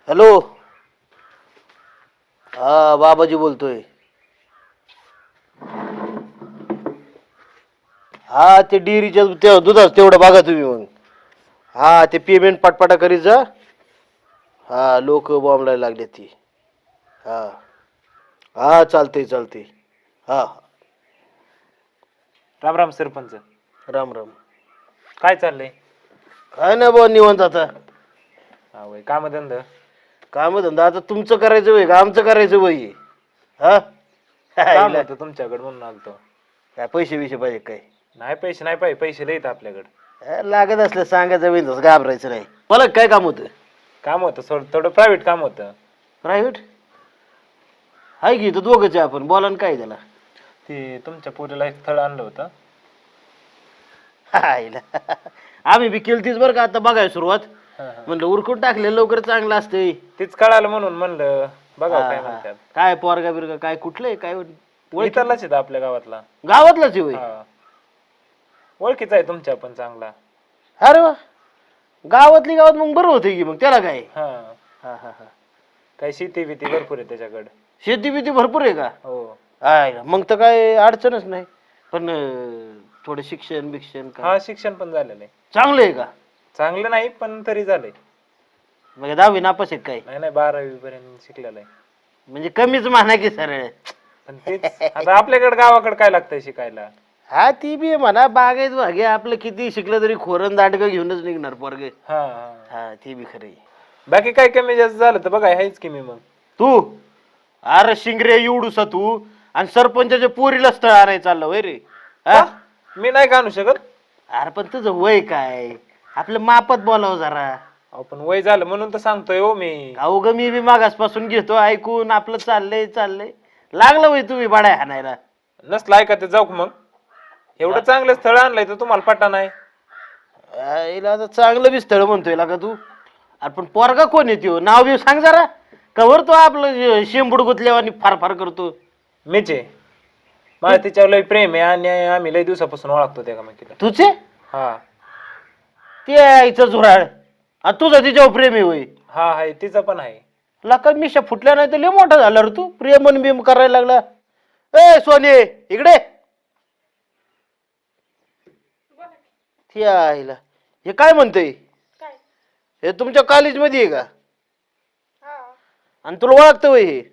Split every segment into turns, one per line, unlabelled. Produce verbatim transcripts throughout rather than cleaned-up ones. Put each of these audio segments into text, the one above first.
Hello. हा बाबाजी बोलतोय. हा ते डेअरीच्या ते दुधाच तेवढं बघा तुम्ही मग. हा ते पेमेंट पाटपाटा करीत जा. हा लोक बॉम्बला लागले ती. हा हा चालतंय चालतंय. हा
राम राम सरपंच.
राम राम.
काय चाललंय?
काय नाही बुवा निवांत आता.
हा वय काम धंदा.
काम धंदा आता तुमचं करायचं वय का आमचं करायचं वय. हा
काम
हिला
होतं तुमच्याकडे म्हणून आलतो.
काय पैसे बिशे पाहिजे काय?
नाही पैसे नाही पाहिजे, पैसे लईत आपल्याकडे.
लागत असलं सांगायचं बिंदास घाबरायचं नाही. मला काय काम होतं?
काम होतं थोडं थोडं प्रायव्हेट काम होतं.
प्रायव्हेट आहे की इथं दोघंच आहे आपण. बोला ना काय त्याला.
ते तुमच्या पोरीला एक स्थळ आणलं होतं.
हायला आम्ही बी केलतीच बरं का आता बघाय सुरुवात.
हा, हा.
म्हणलं उरकून टाकले लवकर चांगलं असतंय.
तीच कळालं म्हणून म्हणलं बघावं काय
हा, हा.
म्हणतात.
काय पोरगा बिरगा काय कुठलंय काय ओळखी-
इथलाच आहे आपल्या गावातला.
गावातलाच आहे होय.
हा. ओळखीचा आहे तुमच्या पण चांगला.
अरे वा गावातली गावात मग बरं होतं की मग त्याला काय.
हा
हा हा हा
काही शेती बिती भरपूर आहे त्याच्याकडे.
शेती बिती भरपूर आहे का?
हो.
आहे मग तर काय अडचणच नाही. पण अं, थोडं शिक्षण बिक्षण
हा
का
शिक्षण पण झालेलं आहे.
चांगलं आहे का?
चांगलं नाही पण तरी झालंय.
म्हणजे दहावी नापास आहेत काय?
नाही नाही बारावी पर्यंत शिकलेलं आहे.
म्हणजे कमीच म्हणा की सरळ.
पण तेच आता आपल्याकडे गावाकडे काय लागतंय शिकायला.
हा ती बी म्हणा बागायत भागे आपलं किती शिकलं तरी खोरण दांडगं घेऊनच निघणार पोरगे.
हा हा.
हा ती बी खरं आहे.
बाकी काय कमी जास्त झालं तर बघा आहेच की मी मग.
तू अरे शिंगरे एवढूसा तू आणि सरपंचाच्या पोरीला स्थळ आणायला चाललं वय रे. हा?
का? मी नाही का आणू शकत.
अरे पण तुझं वय काय आपलं मापात बोलावं जरा.
अहो पण वय झालं म्हणून तर सांगतोय हो मी.
अहो ग मी बी मागासपासून घेतो ऐकून आपलं चाललंय चाललंय लागलं वय तुम्ही बाड्या हाणायला.
नसलं ऐका ते जाऊ मग. एवढं चांगलं स्थळ आणलंय तर तुम्हाला पटा नाही.
आईला आता चांगलं बी स्थळ म्हणतोय का तू. अरे पण पोरगा कोण येतो नाव बी सांग जरा. कवर तो आपलं शेंबूड गुतल्यावर फार फार करतो.
मीच आहे. मला तिच्यावर लय प्रेम आहे आणि आम्ही लय दिवसापासून ओळखतो त्या का
तुझे
हा
ते आईचं झुराळ आणि तुझं तिच्यावर प्रेम आहे होय.
हा आहे तिचं पण आहे.
लका मिशा फुटल्या नाही तर लय मोठा झाला रे तू प्रेमन बिम करायला लागला. ए सोने इकडे. ती आईला हे काय म्हणतंय? हे तुमच्या कॉलेज मध्ये आहे का? आणि तुला ओळखतं वय हे?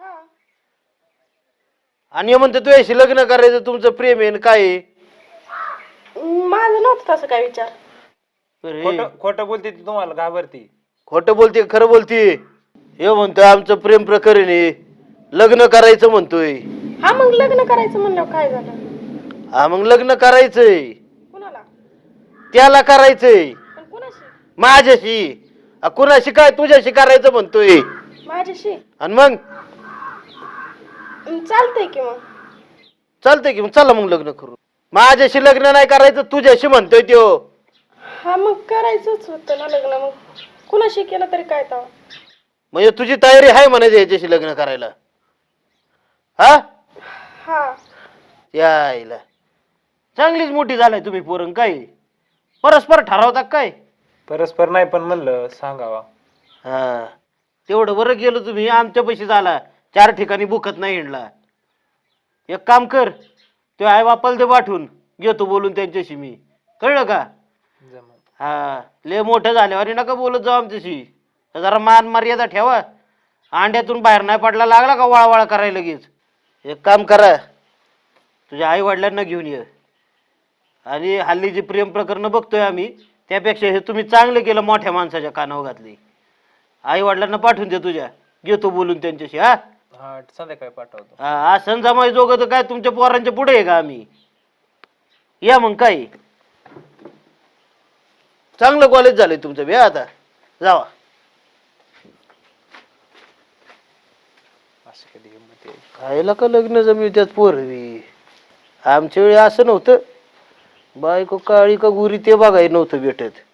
आणि हे म्हणते तुझ्याशी लग्न करायचं तुमचं प्रेम आहे काय आहे?
माझं नव्हतं तसं काय विचार.
अरे,
खोटं खोटं बोलते ती तुम्हाला घाबरती.
खोटं बोलते खरं बोलते? हे म्हणतोय आमचं प्रेम प्रकरण आहे लग्न करायचं म्हणतोय.
हा मग लग्न करायचं म्हणलं काय झालं?
हा मग लग्न करायचंय
कुणाला?
त्याला करायचंय
पण कुणाशी?
माझ्याशी. आ, कुणाशी काय तुझ्याशी करायचं म्हणतोय.
माझ्याशी?
आणि मग
अं, चालतंय की मग.
चालतंय की मग चला मग लग्न करू. माझ्याशी लग्न नाही करायचं तुझ्याशी म्हणतोय त्यो.
हा मग करायचंच होतं ना लग्न मग कुणाशी केलं तरी काय तर.
म्हणजे तुझी तयारी आहे म्हणायचं याच्याशी लग्न करायला? हा
हा
यायला चांगलीच मोठी झालाय तुम्ही पोरं काय परस्पर ठरवता काय?
परस्पर नाही पण म्हणलं सांगावा.
हा तेवढं बरं गेलं तुम्ही आमच्या पैसे झाला चार ठिकाणी बुकत नाही हिंडला. एक काम कर तो आई बापाला ते पाठवून घेतो बोलून त्यांच्याशी मी कळलं का?
जमलं.
हा लय मोठं झाल्यावर नका बोलत जाऊ आमच्याशी. जरा मान मर्यादा ठेवा. अंड्यातून बाहेर नाही पडला लागला का वळावळा करायला लगेच. एक काम करा तुझ्या आई वडिलांना घेऊन ये. आणि हल्ली जी प्रेम प्रकरण बघतोय आम्ही त्यापेक्षा हे तुम्ही चांगलं केलं मोठ्या माणसाच्या कानावर घातली. आई वडिलांना पाठवून दे तुझ्या घेतो बोलून त्यांच्याशी. हा
हा संध्याकाळी पाठवतो.
हा असं जमाय जोग तर काय तुमच्या पोरांच्या पुढे आहे का आम्ही? या मग काय चांगलं कॉलेज झालंय तुमचं बी. आता जावा.
असं कधी गंमत आहे.
खायला का लग्न जमवित्यात पोरवी. आमच्या वेळी असं नव्हतं. बायको काळी का गुरी ते बघाय नव्हतं भेटत.